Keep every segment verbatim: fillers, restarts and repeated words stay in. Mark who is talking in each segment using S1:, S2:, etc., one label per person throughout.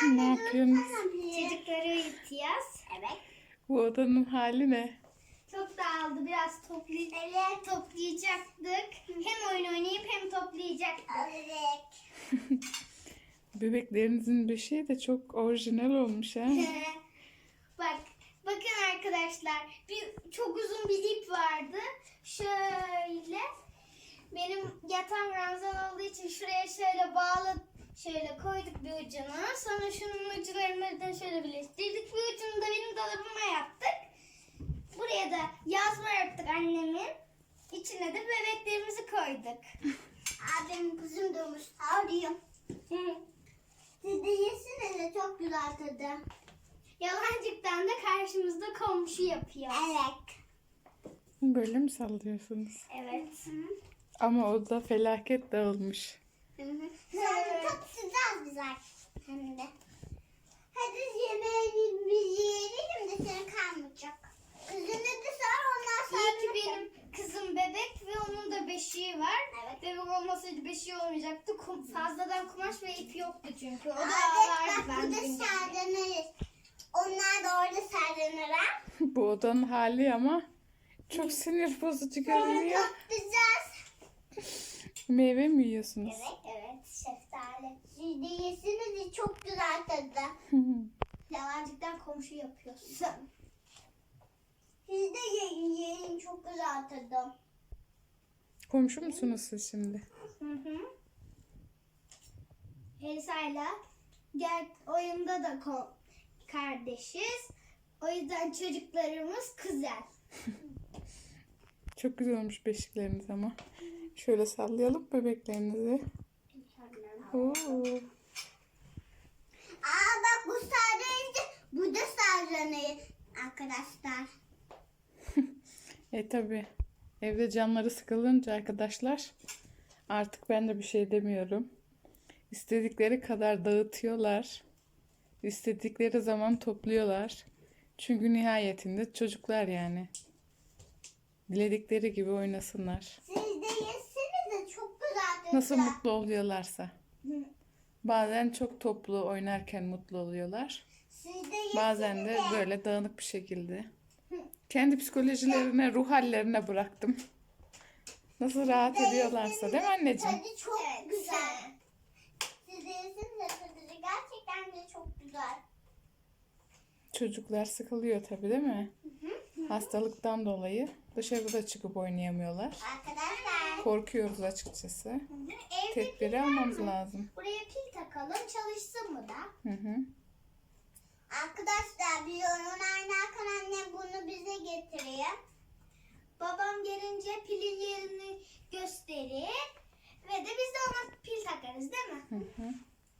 S1: Ne yapıyorsunuz?
S2: Çocukları uyutacağız. Evet.
S1: Bu odanın hali ne?
S2: Çok dağıldı. Biraz toply evet. toplayacaktık. Hem oyun oynayıp hem toplayacaktık. Evet.
S1: Bebeklerinizin beşiği de çok orijinal olmuş ha.
S2: Bak, bakın arkadaşlar. Bir çok uzun bir ip vardı. Şöyle benim yatağım ranzan olduğu için şuraya şöyle bağlı şöyle koyduk bir ucunu. Sonra şunun uçlarını da şöyle birleştirdik. Bir ucunu da benim dolabıma yaptık. Buraya da yazma yaptık annemin. İçine de bebeklerimizi koyduk. Abim kızım doğmuş. Ağrıyor. Siz de yesiniz de çok güzel tadı. Yalancıktan da karşımızda komşu yapıyor. Evet.
S1: Böyle mi sallıyorsunuz?
S2: Evet.
S1: Ama o da felaket dağılmış.
S2: Hı hı. Sonra çok sıcak güzel. Hem de. Hadi yemeğimizi yiyelim de senin kalmayacak. Kızını da sor ondan sonra. İyi ki benim kızım bebek ve onun da beşiği var. Evet. Bebek olmasaydı beşiği olmayacaktı. Kum, fazladan kumaş ve ip yoktu çünkü. O da ağlardı ben de sardanırız. Onlar da orada sardanır ha.
S1: Bu odanın hali ama çok sinir bozucu görünüyor.
S2: Çok güzel.
S1: Meyve mi yiyorsunuz?
S2: Evet, evet. Şeftali. Siz de yesiniz de çok güzel tadı. Yalancıktan komşu yapıyorsun. Siz de yiyin, yiyin. Çok güzel tadı.
S1: Komşu musunuz siz şimdi?
S2: Hı hı. Elsa'yla gel oyunda da ko- kardeşiz. O yüzden çocuklarımız kuzen.
S1: Çok güzel olmuş beşikleriniz ama. Şöyle sallayalım bebeklerinizi. Oo.
S2: Aa bak bu sarılınca bu da sarılır arkadaşlar.
S1: E tabi. Evde canları sıkılınca arkadaşlar artık ben de bir şey demiyorum. İstedikleri kadar dağıtıyorlar. İstedikleri zaman topluyorlar. Çünkü nihayetinde çocuklar yani. Diledikleri gibi oynasınlar.
S2: Siz de yesiniz de çok güzel tadı.
S1: Nasıl mutlu oluyorlarsa. Bazen çok toplu oynarken mutlu oluyorlar.
S2: Siz de yesiniz
S1: Bazen de böyle dağınık bir şekilde. Kendi psikolojilerine, ruh hallerine bıraktım. Nasıl rahat ediyorlarsa değil mi anneciğim?
S2: Tadı çok güzel. Siz de yesiniz de tadı gerçekten de çok güzel.
S1: Çocuklar sıkılıyor tabii değil mi? Hastalıktan dolayı dışarıda çıkıp oynayamıyorlar.
S2: Arkadaşlar.
S1: Korkuyoruz açıkçası.
S2: Evde
S1: Tedbiri
S2: pil
S1: almamız
S2: var mı?
S1: lazım.
S2: Buraya pil takalım çalışsın mı da?
S1: Hı hı.
S2: Arkadaşlar bir oyun oynarken annem bunu bize getiriyor. Babam gelince pilin yerini gösterir. Ve de biz de ona pil takarız değil mi?
S1: Hı hı.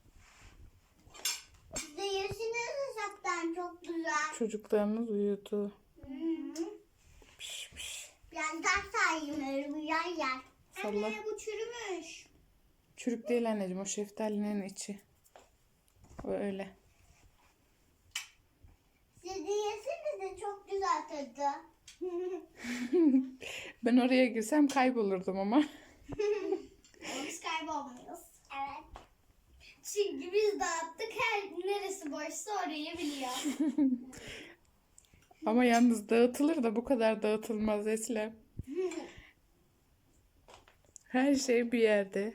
S2: Siz de yersiniz uzaktan çok güzel.
S1: Çocuklarımız uyudu.
S2: Hı hı.
S1: Piş piş.
S2: Ben ders sayayım öyle bir yer yer.
S1: Salla.
S2: Anne bu çürümüş.
S1: Çürük değil anneciğim, o şeftalinin içi. O öyle.
S2: Siz de yesiniz de çok güzel tadı.
S1: Ben oraya girsem kaybolurdum ama.
S2: Biz kaybolmuyoruz. Evet. Çünkü biz dağıttık, her neresi boşsa orayı biliyor.
S1: Ama yalnız dağıtılır da bu kadar dağıtılmaz Eslem. Her şey bir yerde.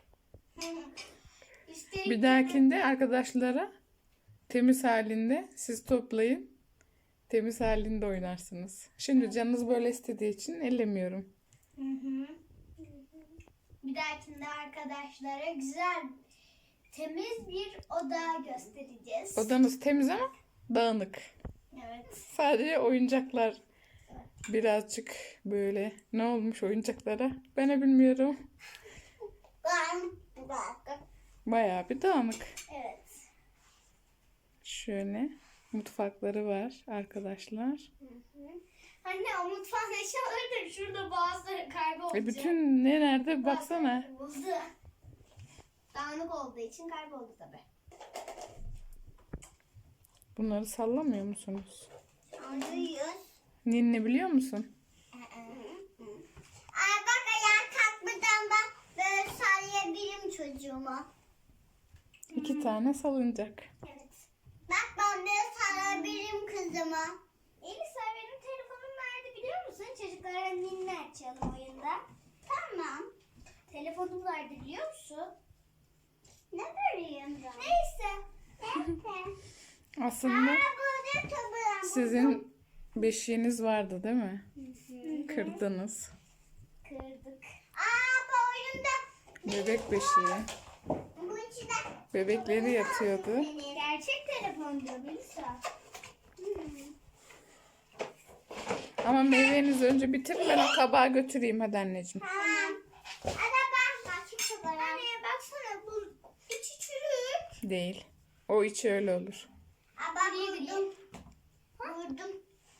S2: Üstelik
S1: Bir dahakinde arkadaşlara temiz halinde siz toplayın. Temiz halinde oynarsınız. Şimdi canınız böyle istediği için ellemiyorum.
S2: Hı hı. Bir dahakinde arkadaşlara güzel, temiz bir oda göstereceğiz.
S1: Odanız temiz ama dağınık.
S2: Evet.
S1: Sadece oyuncaklar birazcık böyle. Ne olmuş oyuncaklara? Ben de bilmiyorum.
S2: Ben bıraktım.
S1: Bayağı bir dağınık.
S2: Evet.
S1: Şöyle mutfakları var arkadaşlar.
S2: Hı hı. Anne o mutfak eşyaları da şurada bazıları kaybolacak.
S1: E bütün ne nerede baksana.
S2: Bazıları kayboldu. Dağınık olduğu için kayboldu tabii.
S1: Bunları sallamıyor musunuz?
S2: Alıyoruz.
S1: Ninni biliyor musun?
S2: Ay bak ayağa kalkmadan ben böyle sallayabilirim çocuğumu.
S1: İki tane salıncak.
S2: Evet. zaman. Elisa benim telefonum nerede biliyor musun? Çocuklara ninni açalım oyunda. Tamam. Telefonum nerede biliyor musun? Ne bileyim ben? Neyse. Neyse.
S1: Aslında
S2: Aa, burada tabii.
S1: sizin beşiğiniz vardı değil mi? Kırdınız.
S2: Kırdık. Aa, bu oyunda
S1: Bebek beşiği.
S2: bu içinde
S1: Bebekleri yatıyordu.
S2: gerçek telefondu Melisa.
S1: Ama meyvenizi önce bitir, ben o kabağı götüreyim hadi anneciğim.
S2: Tamam. Hadi ben bakayım kadar. Anne baksana bu içi çürük.
S1: Değil. O içi öyle olur.
S2: Aa, bak vurdum. Vurdum.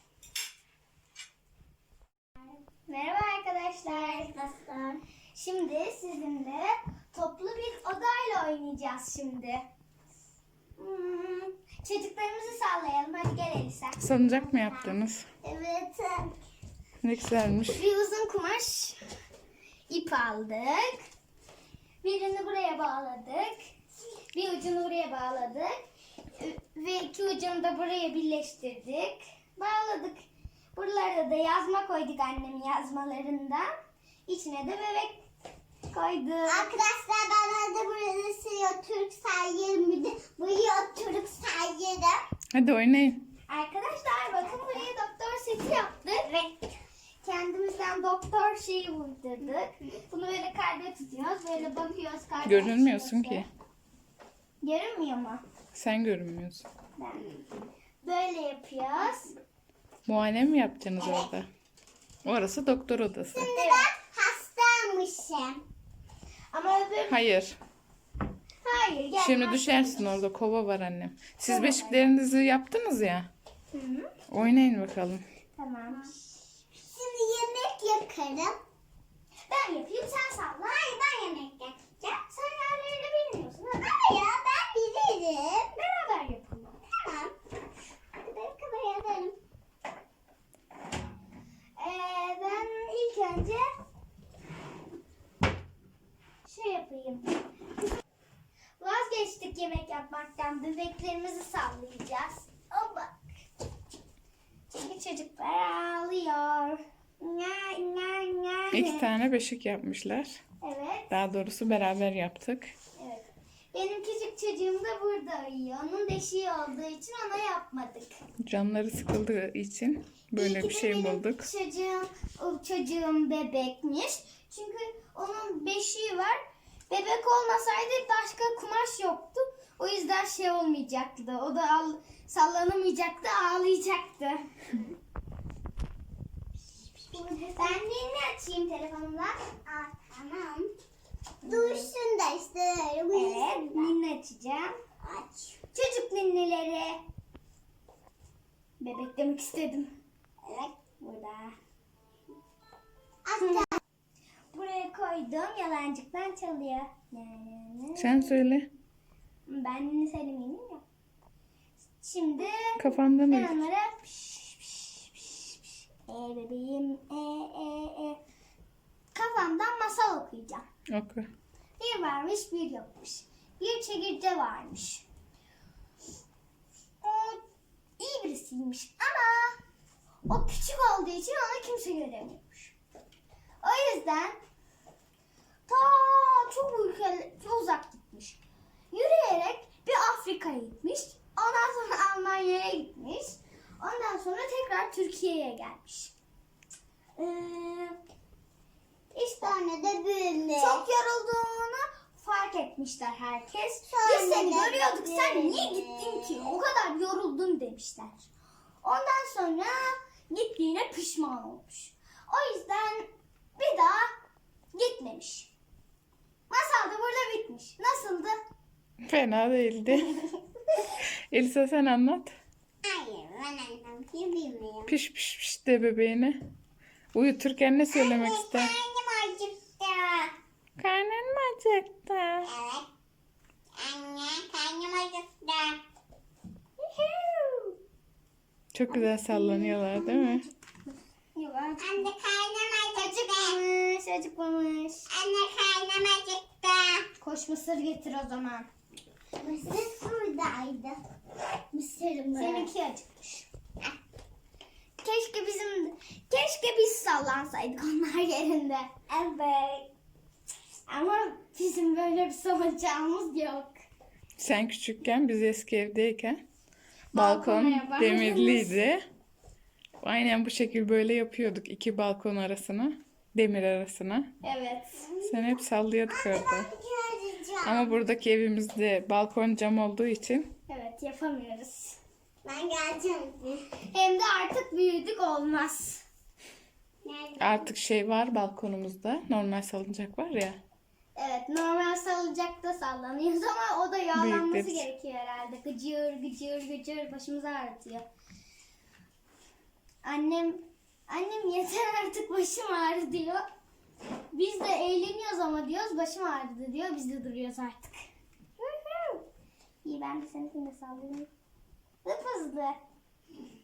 S2: Merhaba arkadaşlar. Arkadaşlar. Şimdi sizinle toplu bir odayla oynayacağız şimdi. Hmm, çocuklarımızı sallayalım. Hadi gel Elisa.
S1: Salıncak mı yaptınız?
S2: Evet.
S1: Ne güzelmiş.
S2: Bir uzun kumaş ip aldık. Birini buraya bağladık. Bir ucunu buraya bağladık. Ve iki ucunu da buraya birleştirdik. Bağladık. Buralara da yazma koyduk annemin yazmalarından. İçine de bebek koyduk. Arkadaşlar ben hadi burası Türk sayılır. Buraya Türk sayılır.
S1: Hadi oynayın.
S2: Arkadaşlar bakın buraya doktor seti yaptık. Evet. Kendimizden doktor şeyi vurdurduk. Bunu böyle kalbe tutuyoruz. Böyle bakıyoruz kalbe.
S1: Görünmüyorsun ki.
S2: Görünmüyor mu?
S1: Sen görünmüyorsun.
S2: Ben. Böyle yapıyoruz.
S1: Muayene mi yapacaksınız orada? Orası doktor odası.
S2: Şimdi ben hastaymışım. Ama öbür...
S1: Hayır.
S2: Hayır. Gel.
S1: Şimdi düşersin, orada kova var annem. Siz beşiklerinizi yaptınız ya.
S2: Hı hı.
S1: Oynayın bakalım.
S2: Tamam. Şimdi yemek yakarım. Ben yapayım sen salla. Hayır ben yemek yakacağım. Sen yerlerini bilmiyorsun. Ama ya ben bilirim. Beraber yapalım. Tamam. Hadi beraber yaparım. Ee, ben ilk önce şey yapayım. Vazgeçtik yemek yapmaktan. Bebeklerimizi sallayacağız. Oba. Çünkü çocuklar ağlıyor. Nya, nya, nya.
S1: İki tane beşik yapmışlar.
S2: Evet,
S1: Daha doğrusu beraber yaptık.
S2: evet. Benim küçük çocuğum da burada uyuyor. Onun deşiği olduğu için ona yapmadık.
S1: Canları sıkıldığı için böyle
S2: İyi ki
S1: bir
S2: de
S1: şey
S2: benim
S1: bulduk.
S2: Çocuğum, o çocuğum bebekmiş. Çünkü onun beşiği var. Bebek olmasaydı başka kumaş yoktu. O yüzden şey olmayacaktı. O da al, sallanamayacaktı, ağlayacaktı. Ben ninni açayım telefonumla. Aa, tamam. Dursun da işte. Evet, ninni açacağım. Aç. Çocuk ninnileri. Bebek demek istedim. Evet, burada. Aç. Buraya koydum. Yalancıktan çalıyor.
S1: Sen söyle.
S2: Ben ninni söylemeyeyim ya. Şimdi
S1: Kafandan
S2: ben
S1: uyu.
S2: onlara piş, piş, piş, piş. E bebeğim e e e. Kafamdan masal okuyacağım.
S1: Oku.
S2: Bir varmış bir yokmuş. Bir çekirge varmış. O iyi birisiymiş ama o küçük olduğu için ona kimse göremiyormuş. O yüzden ta çok ülke, çok uzak gitmiş. Yürüyerek bir Afrika'ya gitmiş. Ondan sonra Almanya'ya gitmiş. Ondan sonra tekrar Türkiye'ye gelmiş. Ee, işte de büyümüş. Çok yorulduğunu fark etmişler herkes. Biz seni görüyorduk, sen niye gittin ki? O kadar yoruldun demişler. Ondan sonra gittiğine pişman olmuş. O yüzden bir daha gitmemiş. Masal da burada bitmiş. Nasıldı?
S1: Fena değildi. Elisa sen anlat.
S2: Hayır, ben anlamayı bilmiyorum.
S1: Piş piş piş de bebeğine. Uyuturken ne söylemek ister?
S2: Karnım acıktı.
S1: Karnın mı acıktı?
S2: Evet. Anne, karnım acıktı.
S1: Çok güzel sallanıyorlar değil mi?
S2: Anne karnım acıktı. Acıkmamış. Anne karnım acıktı. Koş mısır getir o zaman. Mısır buradaydı. Mısırım. Seninki acıkmış. keşke bizim keşke biz sallansaydık onlar yerinde. Evet. Ama bizim böyle bir salıncağımız yok.
S1: Sen küçükken biz eski evdeyken
S2: Balkona
S1: balkon
S2: yapardınız.
S1: demirliydi. Aynen bu şekil böyle yapıyorduk. İki balkon arasına, demir arasına.
S2: Evet.
S1: Sen hep sallıyorduk orada. Ama buradaki evimizde balkon cam olduğu için
S2: Evet, yapamıyoruz. Ben geleceğim. Hem de artık büyüdük, olmaz.
S1: artık şey var balkonumuzda. Normal salıncak var ya.
S2: Evet, normal salıncakta sallanıyoruz ama o da yağlanması
S1: Büyükler için.
S2: gerekiyor herhalde. Gıcır gıcır gıcır başımızı ağrıtıyor. Annem annem yeter artık başım ağrı diyor. Biz de eğleniyoruz ama diyoruz başım ağrıdı diyor. Biz de duruyoruz artık. İyi, ben de seninkini de sallayayım. Hıp hızlı.